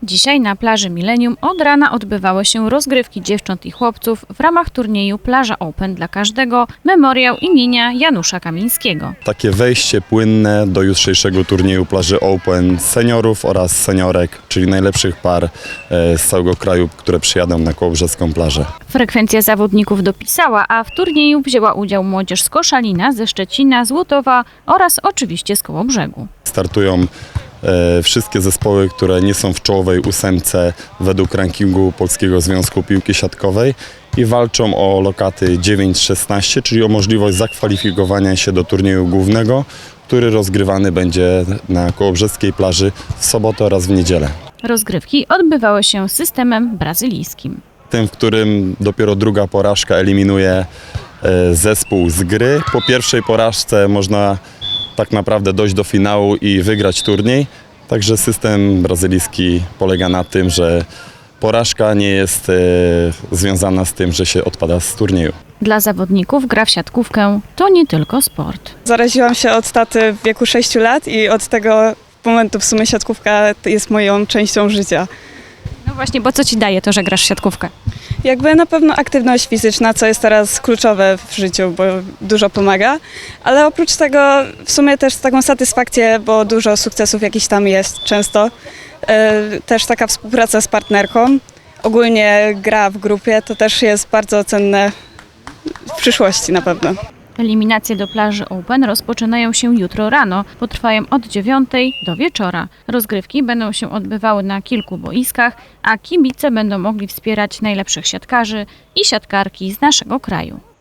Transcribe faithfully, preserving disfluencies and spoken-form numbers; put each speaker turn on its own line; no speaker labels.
Dzisiaj na plaży Millennium od rana odbywały się rozgrywki dziewcząt i chłopców w ramach turnieju Plaża Open dla każdego, memoriał imienia Janusza Kamińskiego.
Takie wejście płynne do jutrzejszego turnieju Plaży Open seniorów oraz seniorek, czyli najlepszych par z całego kraju, które przyjadą na kołobrzeską plażę.
Frekwencja zawodników dopisała, a w turnieju wzięła udział młodzież z Koszalina, ze Szczecina, z Łutowa oraz oczywiście z Kołobrzegu.
Startują e, wszystkie zespoły, które nie są w czołowej ósemce według rankingu Polskiego Związku Piłki Siatkowej i walczą o lokaty dziewięć szesnaście, czyli o możliwość zakwalifikowania się do turnieju głównego, który rozgrywany będzie na kołobrzeskiej plaży w sobotę oraz w niedzielę.
Rozgrywki odbywały się systemem brazylijskim.
Tym, w którym dopiero druga porażka eliminuje e, zespół z gry. Po pierwszej porażce można tak naprawdę dojść do finału i wygrać turniej. Także system brazylijski polega na tym, że porażka nie jest e, związana z tym, że się odpada z turnieju.
Dla zawodników gra w siatkówkę to nie tylko sport.
Zaraziłam się od taty w wieku sześciu lat i od tego momentu w sumie siatkówka jest moją częścią życia.
No właśnie, bo co ci daje to, że grasz w siatkówkę?
Jakby na pewno aktywność fizyczna, co jest teraz kluczowe w życiu, bo dużo pomaga, ale oprócz tego w sumie też taką satysfakcję, bo dużo sukcesów jakichś tam jest często. Też taka współpraca z partnerką, ogólnie gra w grupie, to też jest bardzo cenne w przyszłości na pewno.
Eliminacje do Plaży Open rozpoczynają się jutro rano, potrwają od dziewiątej do wieczora. Rozgrywki będą się odbywały na kilku boiskach, a kibice będą mogli wspierać najlepszych siatkarzy i siatkarki z naszego kraju.